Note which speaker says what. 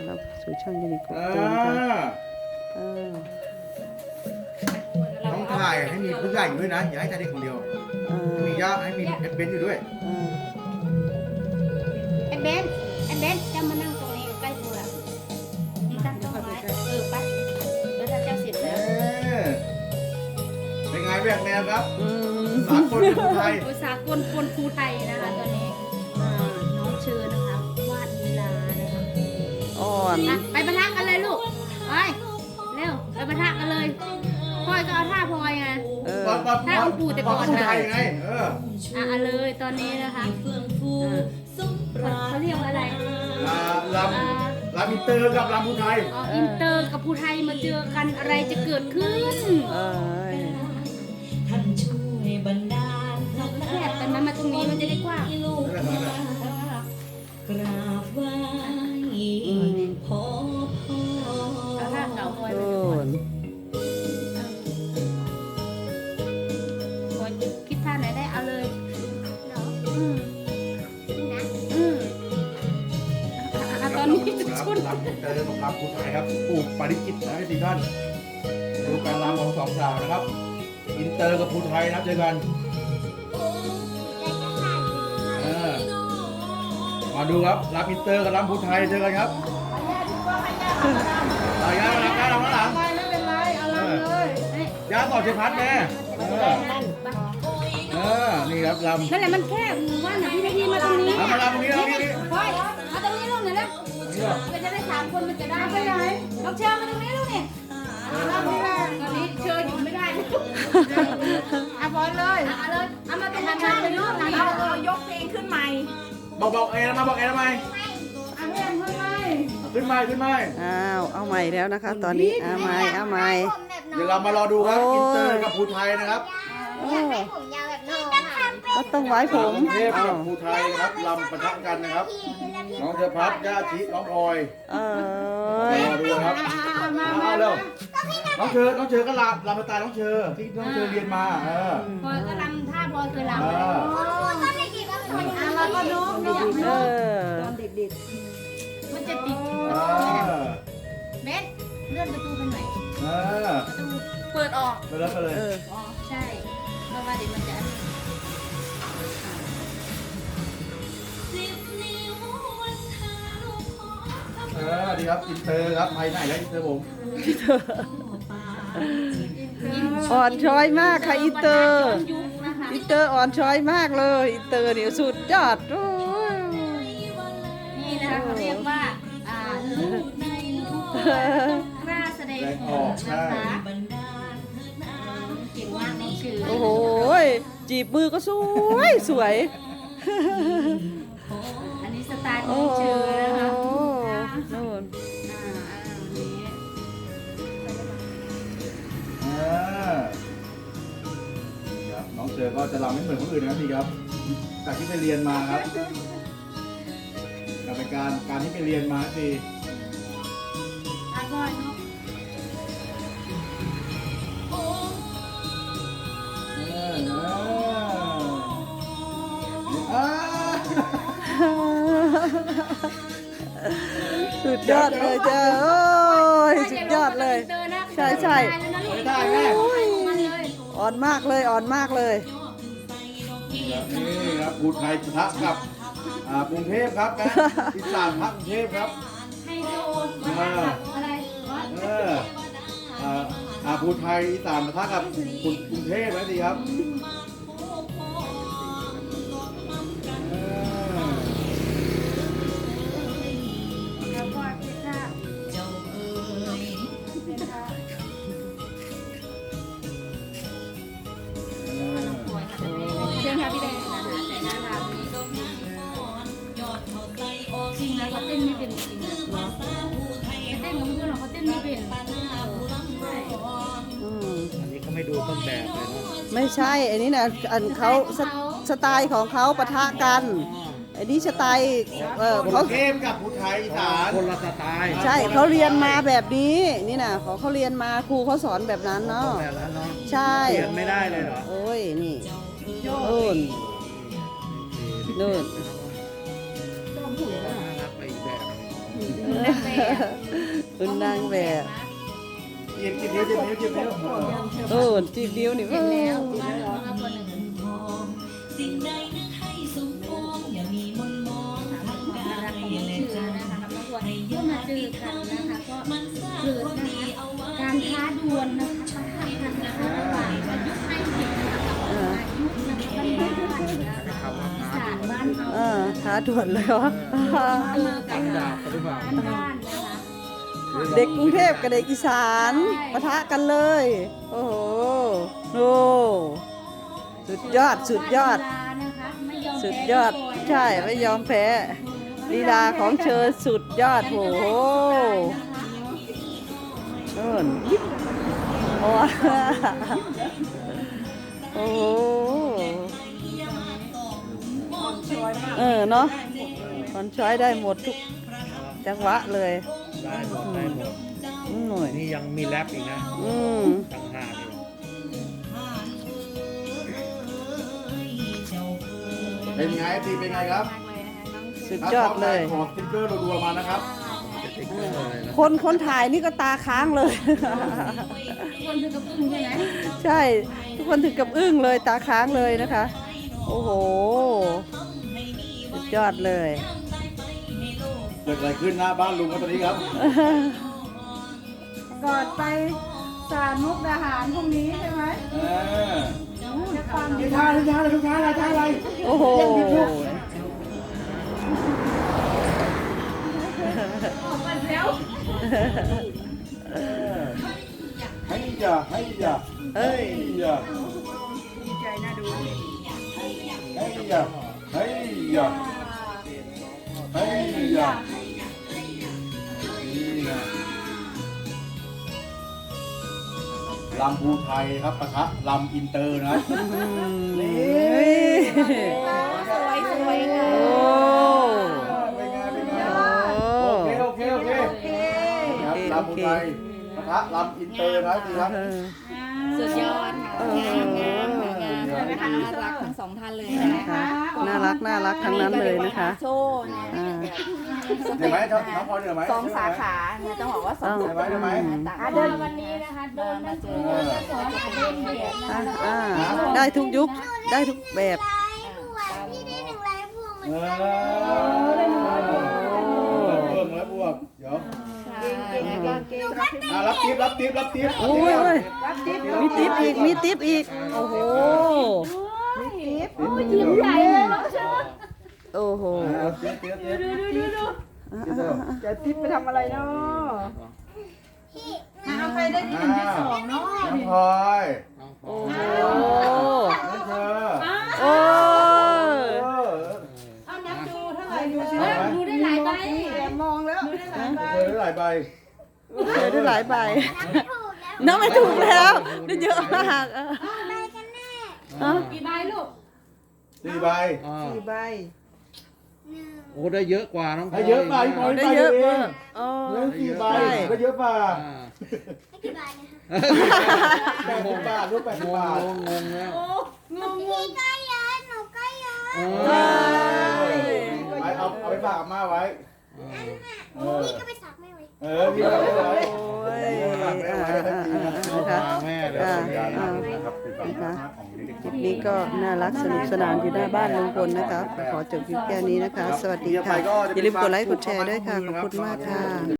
Speaker 1: รับสู่ช่องยูนิคตูนค่ะอ่า
Speaker 2: ต้องถ่ายให้มีผู้ใหญ่อยู่ด้วยนะอย่าให้ถ่ายเด็กคนเดียวมีย่าให้มีเบนอยู่ด้วย
Speaker 3: ไอ้เบนจะมานั่งตรงนี้ใกล้ตัวนี่ตั้งกล้องไว้ไปแล้วถ้าเจ้าเสร็จแล้ว
Speaker 2: เป็นไงแบกแนวครับสากลภูไทย
Speaker 3: สากลคนภูไทยนะคะตอนนี้น้องเชิญนะคะวาดลีลานะคะ
Speaker 1: อ่อน
Speaker 3: ไปปะทะกันเลยลูกไปเร็วไปปะทะกันเลยพลอยก็เอาท่าพลอยไงท่าองค์ปู่แต่ก่อน
Speaker 2: ภู
Speaker 3: นะ
Speaker 2: ไทยไง
Speaker 3: เลยตอนนี้นะคะเขาเรียกว่าอะไร
Speaker 2: ลำอินเตอร์กับลำภูไทย
Speaker 3: อินเตอร์กับภูไทยมาเจอกันอะไรจะเกิดขึ้น
Speaker 4: ท่านช่วยบันดาล
Speaker 3: แคบแต่มันมาตรงนี้มันจะได้กว้าง
Speaker 4: กราบไหว้พ่อ
Speaker 3: เอาท่าเก่าพลอยไป
Speaker 1: อ่
Speaker 3: ก่
Speaker 1: อ
Speaker 3: อน
Speaker 1: น
Speaker 3: พลอยคิดท่าไหนได้เอาเลยตอนนี้ชุด
Speaker 2: ลำอินเตอร์กับลำภูไทยครับปู่ปาริจิตนะสี่ท่านดูการลำของสองสาวนะครับอินเตอร์กับภูไทยนะเจอกันมาดูครับลำอินเตอร์กับลำภูไทยเจอกันครับเอาย่ามาหลังย่ามาหลังไม่เป็นไรเอาลำเลยย่าต่อเชพัดแม่นี่ครับลำ
Speaker 3: นั่นแหละมันแคบว่าหนังพี่นาทีมาตรงนี้
Speaker 2: เอามาลำตรงนี้เอาตรงนี้
Speaker 3: พลอยมาตรงนี้ลูกหน่อยนะมันจะได้3 คนมันจะได้ไปไหนน้องเชิญมาตรงนี้ลูกนี่ตอนนี้เชิญอยู่ไม่ได้เอาบอลเลยเอาเลยเอามาตรงนั้นเลยลูกเรายกเพลงขึ้นใหม่
Speaker 2: บอกเอ็นะมาบอกเอ็นะไหม
Speaker 3: เอาเพลงขึ้นใหม่
Speaker 2: ขึ้นไหม
Speaker 1: อ้าวเอาใหม่แล้วนะคะ ตอนนี้เอาใหม่
Speaker 2: เดี๋ยวเรามารอดูครับอินเตอร์กับภูไทยนะครับ
Speaker 1: ก็ต้องไว้ผม
Speaker 2: เทพกับภูไทยนะครับลำปะทะกันนะครับน้องเธอพัดย่าชิน้องพลอยรอดูครับเอาเร็วน้องเชอก็ลำสไตล์น้องเชอที่น้องเชอเรียนมา
Speaker 3: บอลก็ลำท่าบอลเคยลำ
Speaker 1: เออ
Speaker 3: ตอนเด็กๆมันจะติดเบสเลื่อนประตูไปหน่อยประตูเปิดออก
Speaker 2: ไปแล้วไปเลย
Speaker 3: อ๋อใช่เพราะว่าเดี๋ยวมันจะ
Speaker 2: ดีครับอินเตอร์ครับไปไหนแล้วอินเตอร์ผม
Speaker 1: อ่อนช้อยมากค่ะอินเตอร์
Speaker 3: ยุคนะคะ
Speaker 1: อินเตอร์อ่อนช้อยมากเลยอินเตอร์เนี่ยสุดยอดโอ้ย
Speaker 3: นี่นะคะเขาเรียกว่าลูกในลูกกล้าแสดงออกนะคะเก่งมากน้องชื่อ
Speaker 1: โอ้โหจีบมือก็สวย
Speaker 3: อันนี้สไตล์น้องชื่อนะคะ
Speaker 1: นู่น
Speaker 2: ครับน้องเชอก็จะรำไม่เหมือนคนอื่นนะครับพี่ครับจากที่ไปเรียนมาครับกับการที่ไปเรียนมาสิ
Speaker 3: อร่อยเนาะ
Speaker 1: สุดยอดเลยจ้าโอ้ยสุดยอดเลย ใช่
Speaker 2: ไม่ได้แม่
Speaker 1: อ่อนมากเลย
Speaker 2: นี่ครับภูไทยปะทะกับกรุงเทพครับนะอีสานพักกรุงเทพครับ
Speaker 3: ให้โดนอะไรวะ
Speaker 2: ภูไทยอีสานปะทะกับกรุงเทพนะสิครับ
Speaker 3: แล้วก็พิซซ่า
Speaker 4: เจ้าเอ๋ย
Speaker 3: พิซซ่าเชิญค่ะพี่แดงนะคะแต่หน้าตานี้
Speaker 4: ยอดเขาใจออก
Speaker 3: จริงแล้วเขาเต้นไม่เป็นจริงนะเต้นของเพื่อนเราเขาเต้นไม่เป็นใช่
Speaker 2: อันนี้เขาไม่ดูต้นแบบเลยนะ
Speaker 1: ไม่ใช่ อันนี้นะอันเขาสไตล์ของเขาปะทะกัน อันนี้สไตล์
Speaker 2: กรุ
Speaker 1: เขา
Speaker 2: งเทพกับภูไทยอีสานคนละสไตล์
Speaker 1: ใช่เขาเรียนมาแบบนี้นี่นะเขาเรียนมาครูเขาสอนแบบนั้นเนาะ
Speaker 2: แบบนั้นเนาะ
Speaker 1: ใช่
Speaker 2: เปลี่ยนไม่ได้เลยเหรอ
Speaker 1: โอ้ยนี่นู่น
Speaker 2: น่ารักไปอีกแบบ
Speaker 3: แต่
Speaker 1: คุณนางแบบ
Speaker 2: จีบนิ้วจีบนิ้วจีบนิ้ว
Speaker 1: เออจีบนิ้วนี่
Speaker 3: เห็นแล้ว
Speaker 4: สิ่งใดนึกให้สมปองอย่ามีมนมองทางกายและใจให้ยาดีทำนะคะก็มันสร้างความดีเอาไว้
Speaker 3: การท้าดวลนะคะประทะกันนะคะระหว่างประยุกต์ให้เห็นนะคะอายุนะคะบ้านๆนะคะสารบ้านเรา
Speaker 1: ท้าด่วนเลยวะ
Speaker 3: เจอกันบ้านนะคะ
Speaker 1: เด็กกรุงเทพกับเด็กอีสานปะทะกันเลย โอ้โหโอ้สุดยอดสุดยอด สุดยอดใช่ไม่ยอมแพ้ลีลาของเชอสุดยอดโหโน่นโอ้โอ้เนาะคอนช้อยได้หมดทุกจังหวะเลย
Speaker 5: ได้หมดได้หมด
Speaker 1: หน่อย
Speaker 5: นี่ยังมีแรปอีกนะ ต่างหากอยู่
Speaker 2: เป็นไงตีเป็นไงครับ
Speaker 1: สุดยอดเลย
Speaker 2: ขอสติ๊กเกอร์รัวๆมานะครับ
Speaker 5: สติ๊กเกอร์เลยนะ
Speaker 1: คนถ่ายนี่ก็ตาค้างเลย
Speaker 3: คนถึงกับอึ้งใช่ไหม
Speaker 1: ใช่ ทุกคนถึงกับอึ้งเลยตาค้างเลยนะคะ โอ้โห สุดยอดเลย
Speaker 2: เกิดอะไรขึ้นหน้าบ้านลุงครับตอนนี้ครับ
Speaker 3: ก่อนไปสารมุกดาหารพรุ่งนี้ใช่ไหม จะฟัง
Speaker 2: นี่ท่าอะไรท่าอะไรท่าอะไรท่าอะไร
Speaker 1: โอ้โห
Speaker 3: ออกมาแล้ว
Speaker 2: ให้อย่าให้อย่า
Speaker 1: เอ้ย
Speaker 2: อย่า
Speaker 3: ดีใจน่าดู
Speaker 2: ให้อย่าให้อย่าให้อย่านี่ไงลำภูไทยครับปะทะลำอินเตอร์นะนี่
Speaker 3: สวยสวยค่ะ
Speaker 1: โอ้
Speaker 2: เป็นไงเป็นไง
Speaker 1: โอ้
Speaker 2: โอเคครับลำภูไทยปะทะลำอินเตอร์นะดีครับ
Speaker 3: สุดยอดค่ะงามน่ารักทั้งสองท่านเลยนะคะ
Speaker 1: น่ารักน่ารักทั้งนั้นเลยนะคะ
Speaker 3: โซ่เนี่ย
Speaker 1: อ่า
Speaker 2: เห็นไหมน้องพลอยเห็นไหม
Speaker 3: สองสาขาเนี่ยต้องบอกว่าสองสาขา
Speaker 2: เห็นไหม
Speaker 3: ต่างเดินวันนี้นะคะเดินมาเจอสอนจะเป็นเด็กนะ
Speaker 1: อ่าได้ทุกยุค ได้ทุกแบบ
Speaker 2: เพิ่มแล้วบวกเดี๋ยวรับทิปรับทิปรับทิป
Speaker 1: โอ้ยมีติ๊บอีก มีติ๊บอีก โอ้โห
Speaker 3: ยิ้มใหญ่เลยน้องเชอ
Speaker 1: โอ้โห
Speaker 2: ทิปทิปทิป
Speaker 1: จะติ๊บไปทำอะไรเนาะ
Speaker 3: เอาใครได้ที่หนึ่งที่สองเนาะ
Speaker 2: น้องพลอย
Speaker 1: โอ้โห
Speaker 2: น้องเธอ
Speaker 1: โอ้ย
Speaker 3: เอานับดูเท่าไหร่ดูสิดูได้หลายใบมองแล้วดูได้หลายใบ
Speaker 2: เธอได้หลายใบ
Speaker 1: เจอได้หลายใบน้องไม่ถูกแล้วได้เยอะมากเออ
Speaker 3: กี่ใบลูก
Speaker 2: 4 ใบ
Speaker 5: ใบโอ้ได้เยอะกว่าน้องพล
Speaker 2: ให้เยอะไปพลอย
Speaker 1: ได้
Speaker 2: ไป
Speaker 1: เย
Speaker 2: เย
Speaker 1: อะ
Speaker 2: อะเอ
Speaker 1: มาง กอ๋อ
Speaker 2: เงิน4 ใบก็เยอะป่ะ 80 บาทรูป80 บาท
Speaker 5: งงแล้ว
Speaker 3: งง
Speaker 2: เอาไปฝากอาม่าไว้พี่ก็ไปฝากแม่ไว้พี่ก็ไปฝาก
Speaker 1: โอ้ย
Speaker 2: แม่ไว้นะคะ
Speaker 5: แม่เลย
Speaker 2: นะครับ
Speaker 1: คลิปนี้ก็น่ารักสนุกสนานอยู่หน้าบ้านลุงพลนะคะ ขอจบคลิปแค่นี้นะคะ สวัสดีค่ะ อย่าลืมกดไลค์กดแชร์ด้วยค่ะ ขอบคุณมากค่ะ